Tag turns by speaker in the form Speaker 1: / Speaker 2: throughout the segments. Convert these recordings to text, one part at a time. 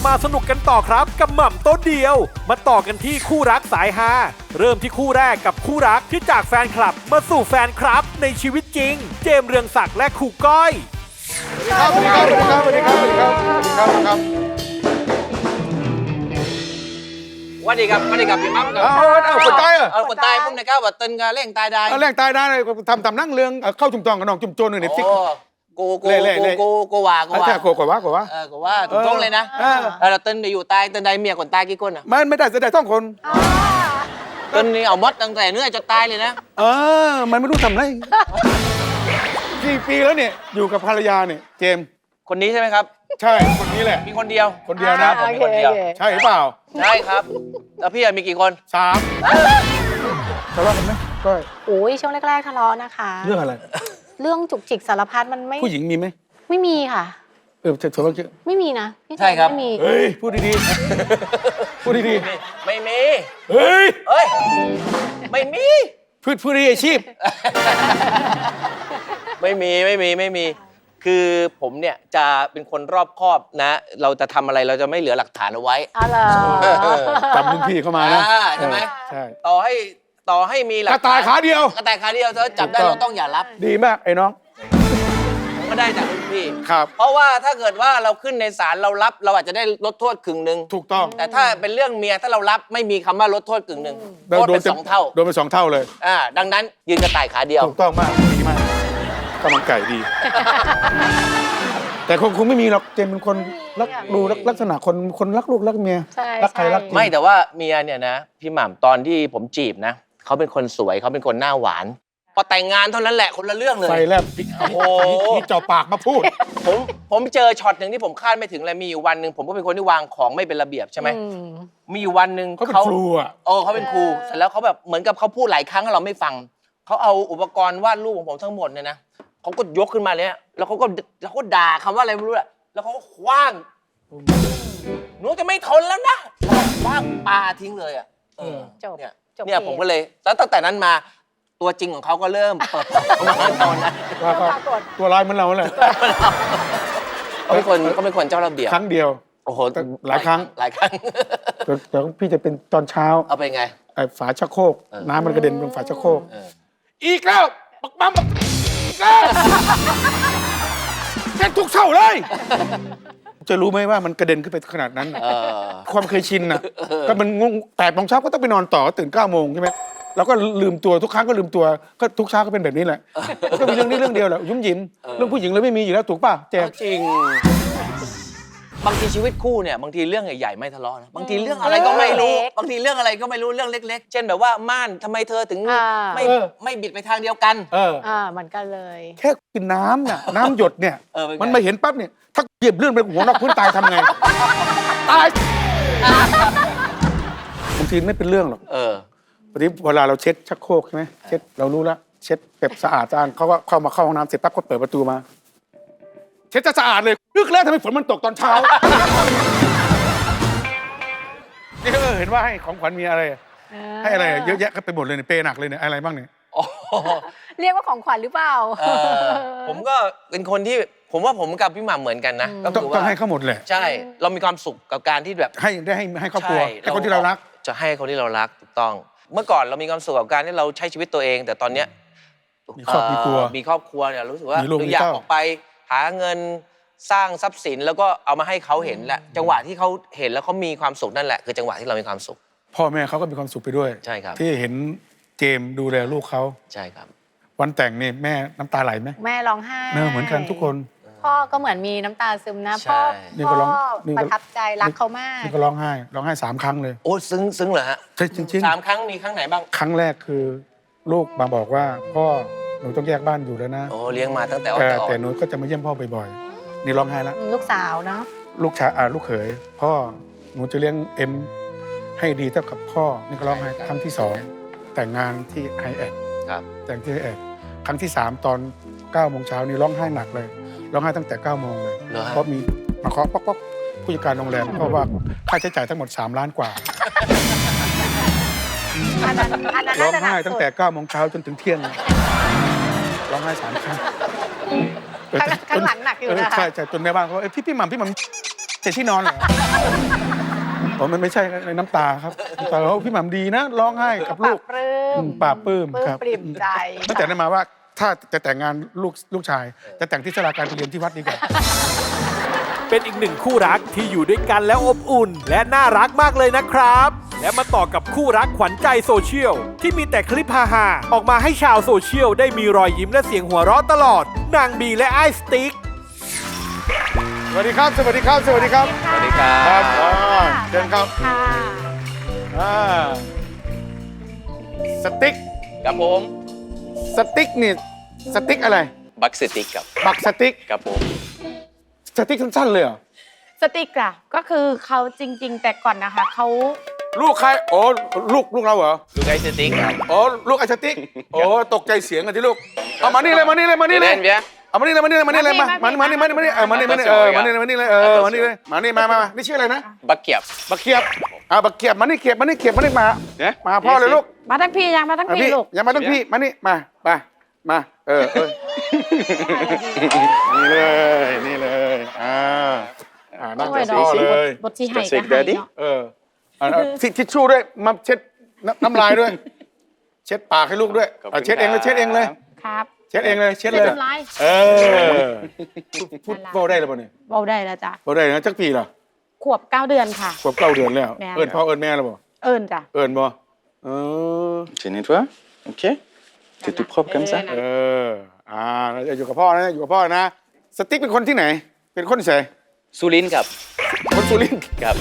Speaker 1: มาสนุกกันต่อครับกับหม่ำโต๊ะเดียว มาต่อกันที่คู่รักสายฮาเริ่มที่คู่แรกกับคู่รักที่จากแฟนคลับมาสู่แฟนครับในชีวิตจริง เจมส์เรืองศักดิ์และครูก้อย
Speaker 2: สวัสดีครับสวัสดีครับสวัสดีครับสวัสดีครับสวัสดีครับ
Speaker 3: วันดีครับพี่มั่มครับ
Speaker 2: เอาคนตายเหรอ
Speaker 3: เอาคนตายผมเนี่ยก้าวว่าตึนกาเร่งตายได้
Speaker 2: เอาแรงตายได้เลยทำนั่งเรืองเข้าจุ่มจองกับน้องจุ่มโจนหนึ่งในฟิก
Speaker 3: โก
Speaker 2: เล่
Speaker 3: โกว่า
Speaker 2: ใช่โกกว่า
Speaker 3: กูว่าถูกต้องเลยนะเราตึนไปอยู่ตายตึนใดเมียคนตายกี่คนอ่ะ
Speaker 2: มันไม่ได้เสียดายต้องคน
Speaker 3: ตึนนี่เอามดตั้งแต่เนื้อจนตายเลยนะ
Speaker 2: มันไม่รู้ทำไรกี่ปีแล้วเนี่ยอยู่กับภรรยาเนี่ยเจมส์
Speaker 3: คนนี้ใช่ไหมครับ
Speaker 2: ใช่คนนี้แหละ
Speaker 3: มีคนเดียว
Speaker 2: คนเดียวนะ
Speaker 3: ผมมีคนเดียว
Speaker 2: ใช่หรือเปล่า
Speaker 3: ใช่ครับแล้วพี่มีกี่คน
Speaker 2: 3ทะเลาะกันไหมก็
Speaker 4: โอ้ยช่วงแรกๆทะเลาะนะคะ
Speaker 2: เรื่องอะไร
Speaker 4: เรื่องจุกจิกสารพัดมันไม่
Speaker 2: ผู้หญิงมีไหม
Speaker 4: ไม่มีค่ะ
Speaker 2: เธอว่า
Speaker 4: ไม่มีนะพี่
Speaker 3: ใช่ครับ
Speaker 4: ไม่มี
Speaker 2: เฮ้ยพูดดีๆพูดดี
Speaker 3: ไม่มี
Speaker 2: ๆเฮ้ย
Speaker 3: เอ้ยไม่มี
Speaker 2: พูดดีอาชีพ
Speaker 3: ไม่มี คือผมเนี่ยจะเป็นคนรอบคอบนะ เราจะทำอะไรเราจะไม่เหลือหลักฐานเอาไว้
Speaker 4: อ๋อเหรอ
Speaker 2: จำรุ่นพี่เข้ามานะ
Speaker 3: ใช่ไหม
Speaker 2: ใช่
Speaker 3: ต่อให้มีหลั
Speaker 2: กระต่ายขาเดียว
Speaker 3: กระต่ายขาเดียวเธอจับได้เราต้องอย่ารับ
Speaker 2: ดีมากไอ้น้อง
Speaker 3: ก็ได้จากรุ่นพี่
Speaker 2: ครับ
Speaker 3: เพราะว่าถ้าเกิดว่าเราขึ้นในศาลเรารับเราอาจจะได้ลดโทษกึ่งหนึ่ง
Speaker 2: ถูกต้อง
Speaker 3: แต่ถ้าเป็นเรื่องเมียถ้าเรารับไม่มีคำว่าลดโทษกึ่งหนึ่งโทษเป็น2 เท่า
Speaker 2: โดนไป2 เท่าเลย
Speaker 3: ดังนั้นยืนกระต่ายขาเดียว
Speaker 2: ถูกต้องมากดีมากกำลังไก่ดี แต่คงไม่มีหรอกเจมเป็นคนรักดูลักษณะคนรักลูกรักเมีย
Speaker 4: ใช่
Speaker 2: รักใครรักจริง
Speaker 3: ไม่แต่ว่าเมียเนี่ยนะพี่หม่ำตอนที่ผมจีบนะเขาเป็นคนสวยเขาเป็นคนหน้าหวานพอแต่งงานเท่านั้นแหละคนละเรื่องเลย
Speaker 2: ไฟแลบ
Speaker 3: โอ้โห
Speaker 2: ที่จ่อปากมาพูด
Speaker 3: ผมเจอช็อตหนึ่งที่ผมคาดไม่ถึงเลยมีอยู่วันหนึ่งผมก็เป็นคนที่วางของไม่เป็นระเบียบใช่ไหม
Speaker 4: อืม
Speaker 3: มีอยู่วันหนึ่ง
Speaker 2: เขาเป็นครูอ่ะ
Speaker 3: เขาเป็นครูเสร็จแล้วเขาแบบเหมือนกับเขาพูดหลายครั้งแล้วเราไม่ฟังเขาเอาอุปกรณ์วาดรูปของผมทั้งหมดเนี่ยนะเขาก็ยกขึ้นมาเลยแล้วเขาก็ด่าคำว่าอะไรไม่รู้แหละแล้วเขาก็คว้างหนูจะไม่ทนแล้วนะแล้วคว้างปลาทิ้งเลยอ่ะ
Speaker 4: จบ
Speaker 3: เนี่ย
Speaker 4: จบ
Speaker 3: เนี่ยผมก็เลยแล้วตั้งแต่นั้นมาตัวจริงของเขาก็เริ่มเปิดมาตอนนั้น
Speaker 2: ว่าก็ตัวร้ายเหมือนเราแหละ
Speaker 3: เขาเป็นคนเจ้าระเบียบ
Speaker 2: ครั้งเดียว
Speaker 3: โอ้โห
Speaker 2: หลายครั้ง
Speaker 3: หลายครั้ง
Speaker 2: เดี๋ยวพี่จะเป็นตอนเช้า
Speaker 3: เอาไปไง
Speaker 2: ไอ้ฝาชักโครกน้ำมันกระเด็นลงฝาชักโครก
Speaker 3: เออ
Speaker 2: อีกแล้วบักบัมอีกแล้วแค่ทุกเช้าเลย จะรู้ไหมว่ามันกระเด็นขึ้นไปขนาดนั้น ความเคยชินน่ะก็มันงง8 โมงเช้าก็ต้องไปนอนต่อตื่น9 โมงใช่ไหมเราก็ลืมตัวทุกครั้งก็ลืมตัวก็ทุกเช้าก็เป็นแบบนี้แหละก็มีเรื่องนี้เรื่องเดียวแหละยุ่มยิ้มเรื่องผู้หญิงเลยไม่มีอยู่แล้วถูกป่ะแจม
Speaker 3: จริง บางทีชีวิตคู่เนี่ยบางทีเรื่องใหญ่ๆไม่ทะเลาะนะบางทีเรื่องอะไรก็ไม่รู้บางทีเรื่องอะไรก็ไม่รู้เรื่องเล็ก ๆ เช่นแบบว่าม่านทำไมเธอถึงไม่บิดไปทางเดียวกัน
Speaker 4: เหมือนกันเลย
Speaker 2: แค่กินน้ำน่ะน้ำหยดเนี่ย
Speaker 3: เป็นไง
Speaker 2: มันมาเห็นปั๊บเนี่ยถ้าเหยียบเลื่อนไปหัวนอกพื้นตายทำไงตายบางทีไม่เป็นเรื่องหรอกวันนี้เวลาเราเช็ดชักโครกใช่ไหมเช็ดเรารู้แล้วเช็ดแบบสะอาดเขาก็เข้าห้องน้ำเสร็จปั๊บก็เปิดประตูมา เช็ดจะสะอาดเลยนึกแล้วทำไมฝนมันตกตอนเช้านี่เห็นว่าให้ของขวัญมีอะไรให้อะไรเยอะแยะก็ไปหมดเลยเนี่ยเปย์หนักเลยเนี่ยอะไรบ้างเนี่ย
Speaker 4: เรียกว่าของขวัญหรือเปล่า
Speaker 3: ผมก็เป็นคนที่ผมว่าผมกับพี่หม่ำเหมือนกันนะก็
Speaker 2: ต้
Speaker 3: คือ
Speaker 2: อง
Speaker 3: ว่า
Speaker 2: ให้เขาหมดเลย
Speaker 3: ใช่เรามีความสุขกับการที่แบบ
Speaker 2: ให้ครอบครัวให้คนที่เรารัก
Speaker 3: จะให้คนที่เรารักถูกต้อง เมื่อก่อนเรามีความสุขกับการที่เราใช้ชีวิตตัวเอง แต่ตอนเนี้ย
Speaker 2: มีครอบครัว
Speaker 3: มีครอบครัวเนี่ยรู้สึกว่า
Speaker 2: มีลูก
Speaker 3: เรา
Speaker 2: มี
Speaker 3: อยาก
Speaker 2: เต้า
Speaker 3: ออกไปหาเงินสร้างทรัพย์สินแล้วก็เอามาให้เขาเห็นแหละจังหวะที่เขาเห็นแล้วเขามีความสุขนั่นแหละคือจังหวะที่เรามีความสุข
Speaker 2: พ่อแม่เขาก็มีความสุขไปด้วย
Speaker 3: ใช่ครับ
Speaker 2: ที่เห็นเจมส์ดูแลลูกเขา
Speaker 3: ใช่ครับ
Speaker 2: วันแต่งนี่แม่น้ำตาไหลไหม
Speaker 4: แม่ร้องไห้
Speaker 2: เหมือนกันทุกคน
Speaker 4: พ่อก็เหมือนมีน้ำตาซึมนะ
Speaker 3: ใช่
Speaker 4: พ่อ
Speaker 2: นี่ก็ร้อง
Speaker 4: ประทับใจรักเขามาก
Speaker 2: นี่ก็ร้องไห้3 ครั้งเลย
Speaker 3: โอ้ซึ้งเหรอฮะ
Speaker 2: ใช่จริง
Speaker 3: 3 ครั้งมีครั้งไหนบ้าง
Speaker 2: ๆ ครั้งแรกคือลูกมาบอกว่าพ่อหนูต้องแยกบ้านอยู่แล้วนะ
Speaker 3: โอ้เลี้ยงมาตั้งแต่อ่อน
Speaker 2: แต่หนูก็จะมาเยี่ยมพ่อบ่อยๆนี่ร้องไห้แล้ว
Speaker 4: ลูกสาวเนาะ
Speaker 2: ลูกชายลูกเขยพ่อหนูจะเลี้ยงเอ็มให้ดีเท่ากับพ่อนี่ก็ร้องไห้ครั้งที่2แต่งงานที่ไอแอด
Speaker 3: ครับ
Speaker 2: แต่งที่ไอแอดครั้งที่3ตอน9 โมงเช้านี่ร้องไห้หนักเลยร้องไห้ตั้งแต่9 โมงเลย
Speaker 3: เหรอฮะ
Speaker 2: เพราะมีมาเคาะป๊อกๆผู้จัดการโรงแรมเพราะว่าค่าใช้จ่ายทั้งหมด3 ล้านกว่า
Speaker 4: อันนั้น
Speaker 2: ร้
Speaker 4: น่า
Speaker 2: อง
Speaker 4: จะหนั
Speaker 2: ไห้
Speaker 4: ก
Speaker 2: ตั้ง
Speaker 4: สุด
Speaker 2: แต่9 โมงเช้าจนถึงเที่ยงร้องไห้3 ครั้ง
Speaker 4: ข้างหลังหนักอยู่นะคะ
Speaker 2: ใช่จนแม่บ้านเขาพี่หม่ำใส่ที่นอนเหรอผมมันไม่ใช่ในน้ำตาครับน้ำตาเขาพี่หม่ำดีนะร้องไห้กับลูก
Speaker 4: ปราบปลื้ม
Speaker 2: ปราบปลื้มครับ
Speaker 4: ปริ่มใจ
Speaker 2: ตั้งแต่นั้นมาว่าถ้าจะแต่งงานลูกชาย จะแต่งที่ศาลาการประเรียนที่วัดดีกว่า
Speaker 1: เป็นอีกหนึ่งคู่รักที่อยู่ด้วยกันแล้วอบอุ่น และน่ารักมากเลยนะครับ และมาต่อกับคู่รักขวัญใจโซเชียลที่มีแต่คลิปฮาๆออกมาให้ชาวโซเชียลได้มีรอยยิ้มและเสียงหัวเราะตลอดนางบีและไอ้สติ๊ก
Speaker 2: สวัสดีครับ สวัสดีครับ สวัสดีครับ
Speaker 3: สวัสดีครั
Speaker 2: ครับ บเชิญครับ
Speaker 4: ค่ะ
Speaker 2: อ่าสติ๊ก
Speaker 3: ครับผม
Speaker 2: สติ๊กนี่สติ๊กอะไร
Speaker 3: บักสติกครับ
Speaker 2: บักสติ๊ก
Speaker 3: ครับผม
Speaker 2: สติ๊กสั้นๆเลยเหรอ
Speaker 5: สติกอะก็คือเขาจริง ๆ แต่ก่อนนะคะเขา
Speaker 2: ลูกใครโอ้ลูกเราเหรอ
Speaker 3: ลูกไอ้สติกครับ
Speaker 2: โอ้ลูกไอ้สติ๊กโอ้ตกใจเสียงกันที่ลูกเอามานี่เลยมานี่เลยมานี่เลย
Speaker 3: เล่นเบี้ย
Speaker 2: เอามานี่เลยมานี่เลยมานี่เลยมานี่เลยมานี่เลยมานี่เลยมานี่เลยมานี่มานี่ชื่ออะไรนะ
Speaker 3: บักเกียบ
Speaker 2: บักเขียบบักเขียบมานี่เขียบมานี่เขียบมานี่มามาพ่อเลยลูก
Speaker 5: มาทั้งพี่ยังมาทั้งพี่ลูก
Speaker 2: อย่ามาทั้งพี่มานี่มานี่เลยนั่ง
Speaker 5: โอ้ย
Speaker 2: กับ
Speaker 5: ดอ
Speaker 2: พ่อก เลย
Speaker 5: บทที่ให้ก็ให้เนาะ
Speaker 2: ทิชชู่ด้วยมาเช็ดน้ำลายด้วย เช็ดปากให้ลูกด้วยเช็ดเองเลยเช็ดเองเลย
Speaker 5: ครับ
Speaker 2: เช็ดเองเลยเช็ด
Speaker 5: เช็
Speaker 2: เลย
Speaker 5: ดน้ำลาย
Speaker 2: พูดเบาได้หรือเปล่าเนี่ย
Speaker 5: เบาได้แล้วจ้ะ
Speaker 2: เบาได้นะจักปีเหรอ
Speaker 5: ขวบ9 เดือนค่ะ
Speaker 2: ขวบ9 เดือนแล้วเอิญพ่อเอิญแม่แล้วบ่
Speaker 5: เอิญจ้ะ
Speaker 2: เอิญบ่
Speaker 6: Tu nettoies? Ok. C'est tout propre comme ça?
Speaker 2: อยู่กับพ่อนะอยู่กับพ่อนะสติ๊กเป็นคนที่ไหน เป็นคนที่ไหน
Speaker 3: สุรินทร์ครับ
Speaker 2: คนสุรินทร์
Speaker 3: ครับ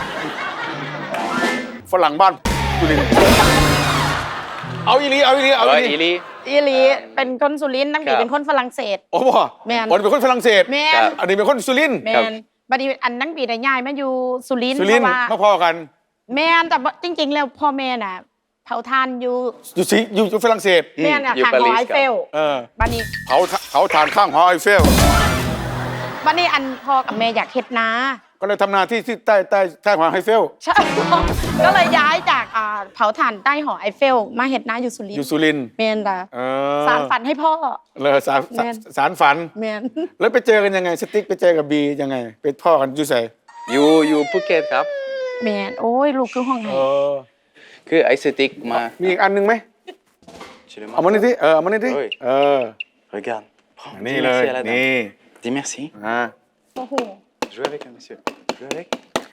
Speaker 2: ฝรั่งบ้านสุรินทร์เอาอีหลี
Speaker 3: อีลี
Speaker 5: อีหลีเป็นคนสุรินทร์ตั้งปี
Speaker 3: ครับ
Speaker 5: เป็นคนฝรั่งเศส
Speaker 2: โอ้บ่
Speaker 5: แม่น
Speaker 2: เป็นคนฝรั่งเศส
Speaker 5: แม
Speaker 3: ครั
Speaker 5: น
Speaker 3: บ
Speaker 2: อันนี้เป็นคนสุรินทร์
Speaker 5: แมนบัดนี้อันตั้งปีได้ย้ายมาอยู่สุรินทร์
Speaker 2: สุ
Speaker 5: เพ
Speaker 2: รินท
Speaker 5: ราะ
Speaker 2: ร์
Speaker 5: ว่า
Speaker 2: มาพ่อกัน
Speaker 5: แมนแต่ว่าจริง ๆ แล้วพ่อแม่น่ะเผาทานอยู่
Speaker 2: อยู่ฝรั่งเศส
Speaker 5: แม่น่ะ
Speaker 3: อยู่
Speaker 5: ทาง
Speaker 3: ปา
Speaker 5: ห
Speaker 3: รี
Speaker 5: อ
Speaker 3: ส
Speaker 5: ไอเฟล
Speaker 3: ครับ
Speaker 5: บัดนี้
Speaker 2: เขาทานข้างหอไอเฟล
Speaker 5: บัดนี้อันพ่อกับแม่อยากเฮ็ดนา
Speaker 2: ก็เลยทำนาที่ใต้หอไอเฟล
Speaker 5: ใช่ ก็เลยย้ายจากเผาถ่านใต้หอไอเฟลมาเฮ็ดนาอยู่สุริน
Speaker 2: อยู่
Speaker 5: ทร์
Speaker 2: สุรินทร์
Speaker 5: แมนล่ะ
Speaker 2: เออ
Speaker 5: สารฝันให้พ่อ
Speaker 2: เลยสารฝัน
Speaker 5: แมน
Speaker 2: แล้วไปเจอกันยังไงสติ๊กไปเจอกับบียังไงเป็นพ่อกันอยู่ใส่
Speaker 3: อยู่ภูเก็ตครับ
Speaker 5: แมนโอ้ยลูกคือห้องไหน
Speaker 3: คือไอ้สติกมา
Speaker 2: มีอีกอันหนึงไหม
Speaker 6: Tu le
Speaker 2: เอามา
Speaker 6: montres?
Speaker 2: นี่ที่เอามานี่ที่
Speaker 6: เฮ้ย Regarde. Prends.
Speaker 2: นี่
Speaker 6: Dis
Speaker 2: เลย
Speaker 6: merci à la dame.
Speaker 2: นี่
Speaker 6: Dis merci.
Speaker 5: โอ้โห
Speaker 6: Joue avec, monsieur. Joue avec.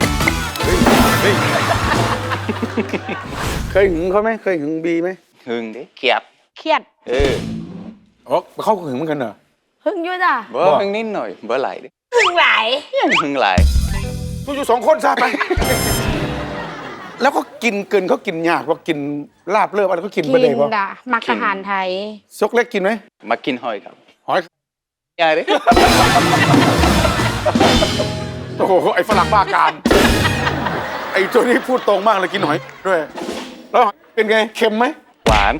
Speaker 2: เคยหึงเขาไหมเคยหึงบีไหม
Speaker 6: Hưng đi.
Speaker 3: เกียบ
Speaker 5: เครียด
Speaker 2: อ๋อเขาหึงเหมือนกันเหรอ
Speaker 5: หึงอยู่จ้ะ
Speaker 6: Bố Hưng nín nổi. Bố lại đi.
Speaker 5: หึงหลาย
Speaker 6: Hưng lại.
Speaker 2: อยู่2 คนซะไป แล้วก็กินเกินเขากินยากว่ากินลาบเลิบอะไรเขากิน
Speaker 5: กิ
Speaker 2: ไม่ได้
Speaker 5: น
Speaker 2: ปะ
Speaker 5: ด่ะมักอาหารไทย
Speaker 2: ซกเล็กกินไหม
Speaker 6: Mà kinh hỏi cả.
Speaker 2: หอย
Speaker 6: Nhà đấy.
Speaker 2: โอ้โหไอ้ฝรั่งบ้ากาม ไอ้ตัวนี้พูดตรงมากเลยกินหอยด้วย แล้วเป็นไงเค็มไหม
Speaker 6: Quán.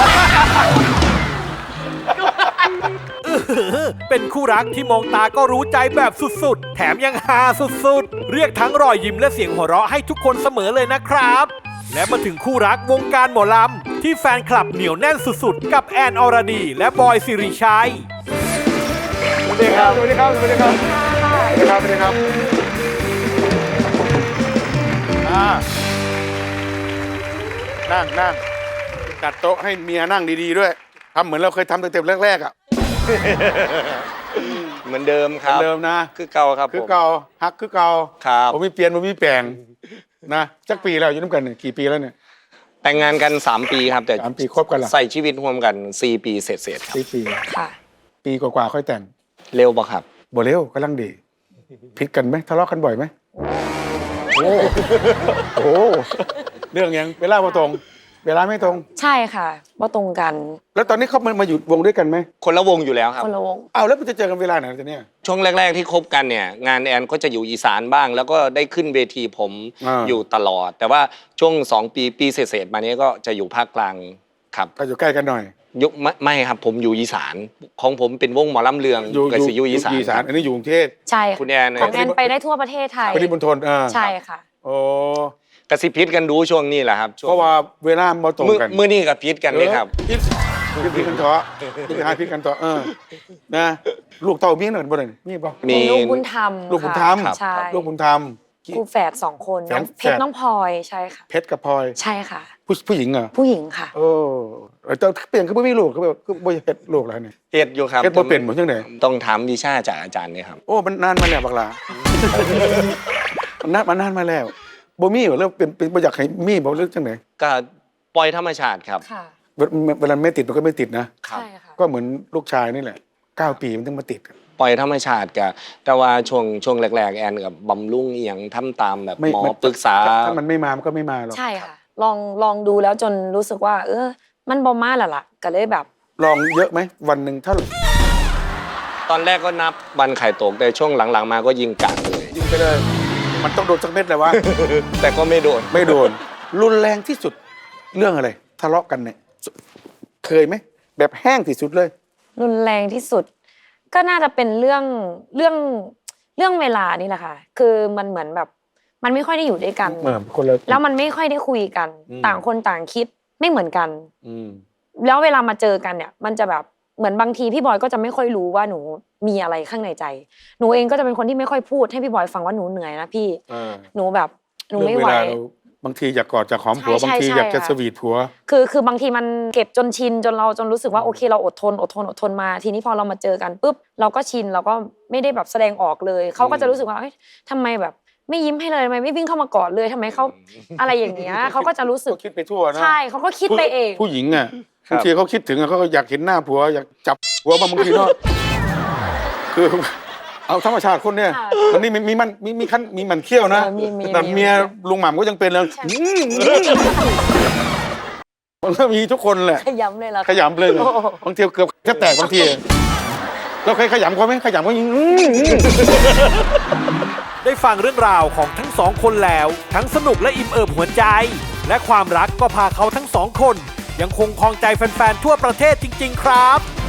Speaker 1: เป็นคู่รักที่มองตาก็รู้ใจแบบสุดๆ แถมยังฮาสุดๆ เรียกทั้งรอยยิ้มและเสียงหัวเราะให้ทุกคนเสมอเลยนะครับ และมาถึงคู่รักวงการหมอลำที่แฟนคลับเหนียวแน่นสุดๆ กับแอนอรดี และบอยสิริชัย
Speaker 2: สวัสดีครับ สวัสดีครับ สวัสดีครับ สวัสดีครับ สวัสดีครับนั่งจัดโต๊ะให้เมียนั่งดีๆด้วยทำเหมือนเราเคยทำตั้งแต่แรกๆอ่ะ
Speaker 7: เหมือนเดิมครับ
Speaker 2: เดิมนะ
Speaker 7: คือเก่าครับ
Speaker 2: คือ
Speaker 7: ผม
Speaker 2: เก่าฮักคือเก่า
Speaker 7: ครับ
Speaker 2: ผมมีเปลี่ยนผมมีแปลงนะจักปีแล้วอยู่น้ำกันเนี่ยกี่ปีแล้วเนี่ย
Speaker 7: แต่งงานกัน 3 ปีครับ แต่
Speaker 2: 3 ปีคบกันเหรอ
Speaker 7: ใส่ชีวิตร่วมกัน 4 ปีเสร็จๆครับ
Speaker 2: 4 ปี
Speaker 5: ค่ะ
Speaker 2: ปีกว่าๆค่อยแต่ง
Speaker 7: เร็วปะครับ
Speaker 2: บ่เร็วกำลังดีผิดกันไหมทะเลาะกันบ่อยไหมโอ้โหเรื่องยังเวลาบ่ตรง เวลาไม่ตรง
Speaker 8: ใช่ค่ะว่าตรงกัน
Speaker 2: แล้วตอนนี้เขามาอยู่วงด้วยกันไหม
Speaker 7: คนละวงอยู่แล้วครับ
Speaker 8: คนละวง
Speaker 2: อ้าวแล้วมันจะเจอกันเวลาไหนจะเนี่ย
Speaker 7: ช่วงแรก ๆ ที่คบกันเนี่ย งานแอนก็จะอยู่อีสานบ้าง แล้วก็ได้ขึ้นเวทีผม
Speaker 2: า
Speaker 7: อยู่ตลอด แต่ว่าช่วง 2 ปีเศษๆมานี้ก็จะอยู่ภาคกลางครับ
Speaker 2: ก็อยู่ใกล้กันหน่อย
Speaker 7: ไม่ครับผมอยู่อีสานของผมเป็นวงหมอลำเลืองกับสิอยู่อีสาน
Speaker 2: อันนี้อยู่กรุงเทพ
Speaker 8: ใช่
Speaker 7: คุณ
Speaker 8: ค่ะ
Speaker 7: แอน
Speaker 8: ของแอนไปได้ทั่วประเทศไทย
Speaker 2: ปริมณฑล
Speaker 8: ใช่ค่ะ
Speaker 2: โอ้
Speaker 7: กระซิบพิษกันดูช่วงนี้แหละครับช่วง
Speaker 2: เพราะว่าเวลามาตรงกัน
Speaker 7: มื้อนี้กับพิษกันเลยครับ
Speaker 2: พิษกันเถอะพิษกันเถอะนะลูกเต้ามีหนึ่งบ่ได้มีบ่
Speaker 7: มี
Speaker 8: ลูกบุญธรรม
Speaker 2: ลูกบุญธรรม
Speaker 8: ค่ะใช่
Speaker 2: ลูกบุญธรรม
Speaker 8: คู่แฝด2 คน
Speaker 2: แฝด
Speaker 8: น้องเพชรน้องพลอยใช่ค่ะ
Speaker 2: เพชรกับพลอย
Speaker 8: ใช่ค่ะ
Speaker 2: ผู้หญิงเหรอ
Speaker 8: ผู้หญิงค่ะ
Speaker 2: โอ้เจ้าเปลี่ยนคือบ่มีลูกคือแบบคือบ่เฮ็ดลูกแล้วนี่
Speaker 7: เฮ็ดอยู่ครับ
Speaker 2: เฮ็ดบ่เป็นหมดจังได๋
Speaker 7: ต้องถามวิชาจากอาจารย์เนี่ยครับ
Speaker 2: โอ้มันนานมาแล้วบักหลา มันนานมาแล้วบ่มีบ่แล้วเป็นบ่อยากให้มีบ่เรื่องจังได๋
Speaker 7: ก็ปล่อยธรรมชาติครับ
Speaker 8: ค่ะ
Speaker 2: เวลาไม่ติดมันก็ไม่ติดนะ
Speaker 7: ครับ
Speaker 8: ใช่ค่ะ
Speaker 2: ก็เหมือนลูกชายนี่แหละ9 ปีมันถึงมาติด
Speaker 7: ปล่อยธรรมชาติกับแต่ว่าช่วงแรกๆแอนกับบำรุงเอียงทำตามแบบหมอปรึกษา
Speaker 2: ถ้ามันไม่มามันก็ไม่มาหรอก
Speaker 8: ใช่ค่ะ ลองดูแล้วจนรู้สึกว่า มันบ่มาแล้วล่ะก็เลยแบบ
Speaker 2: ลองเยอะไหมวันหนึ่งถ้า
Speaker 7: ตอนแรกก็นับวันไข่ตกแต่ช่วงหลังๆมาก็ยิงกัดเลย
Speaker 2: ยิงไปเลยมันต้องโดนสักเม็ดเลยวะ
Speaker 7: แต่ก็ไม่โดน
Speaker 2: ไม่โดน รุนแรงที่สุดเรื่องอะไรทะเลาะกันเนี่ยเคยไหมแบบแห้งที่สุดเลย
Speaker 8: รุนแรงที่สุด ก็น่าจะเป็นเรื่องเวลานี่แหละค่ะ คือมันเหมือนแบบ มันไม่ค่อยได้อยู่ด้วยกัน
Speaker 2: คนละ
Speaker 8: แล้วมันไม่ค่อยได้คุยกัน
Speaker 2: อืม
Speaker 8: ต่างคนต่างคิดไม่เหมือนกัน
Speaker 2: อืม
Speaker 8: แล้วเวลามาเจอกันเนี่ย มันจะแบบเหมือนบางทีพี่บอยก็จะไม่ค่อยรู้ว่าหนูมีอะไรข้างในใจ หนูเองก็จะเป็นคนที่ไม่ค่อยพูดให้พี่บอยฟังว่าหนูเหนื่อยนะพี่ หนูแบบหนูไม่ไหว
Speaker 2: เรื่องเวลาเราบางทีอยากกอดอยากหอมผัว
Speaker 8: ใช่
Speaker 2: บางที
Speaker 8: ใช่
Speaker 2: อยากจะ
Speaker 8: ค่ะ
Speaker 2: สวีทผัว
Speaker 8: คือบางทีมันเก็บจนชินจนเรารู้สึกว่าโอเคเราอดทนมาทีนี้พอเรามาเจอกันปุ๊บเราก็ชินเราก็ไม่ได้แบบแสดงออกเลยเขาก็จะรู้สึกว่าเอ้ยทำไมแบบไม่ยิ้มให้เลยทำไมไม่วิ่งเข้ามากอดเลยทำไมเขาอะไรอย่างเงี้ยเขาก็จะรู้สึก
Speaker 2: ก็คิดไปทั่วนะ
Speaker 8: ใช่เขาก็คิดไปเอง
Speaker 2: ผู้หญิงอ่ะ
Speaker 7: ครับ
Speaker 2: บางทีเขาคิดถึงอะเขาก็อยากเห็นหน้าผัวอยากจับผัวบางทีเนาะ คือเอาธรรมชาติคนเนี่ย
Speaker 8: ค่ะ
Speaker 2: มันนี่มีมันเขี้ยวนะ
Speaker 8: มี
Speaker 2: แต่เมียลุงหม่ำก็ยังเป็นเลยมันก็มีทุกคนแหละ
Speaker 8: ขยำเลยล่ะ
Speaker 2: ขยำเลย
Speaker 8: โอ้โห
Speaker 2: บางทีเกือบแทบแตกบางทีเราเคยขยำเขาไหมขยำเขายิง
Speaker 1: ได้ฟังเรื่องราวของทั้งสองคนแล้ว ทั้งสนุกและอิ่มเอิบหัวใจ และความรักก็พาเขาทั้งสองคน ยังคงครองใจแฟนๆทั่วประเทศจริงๆครับ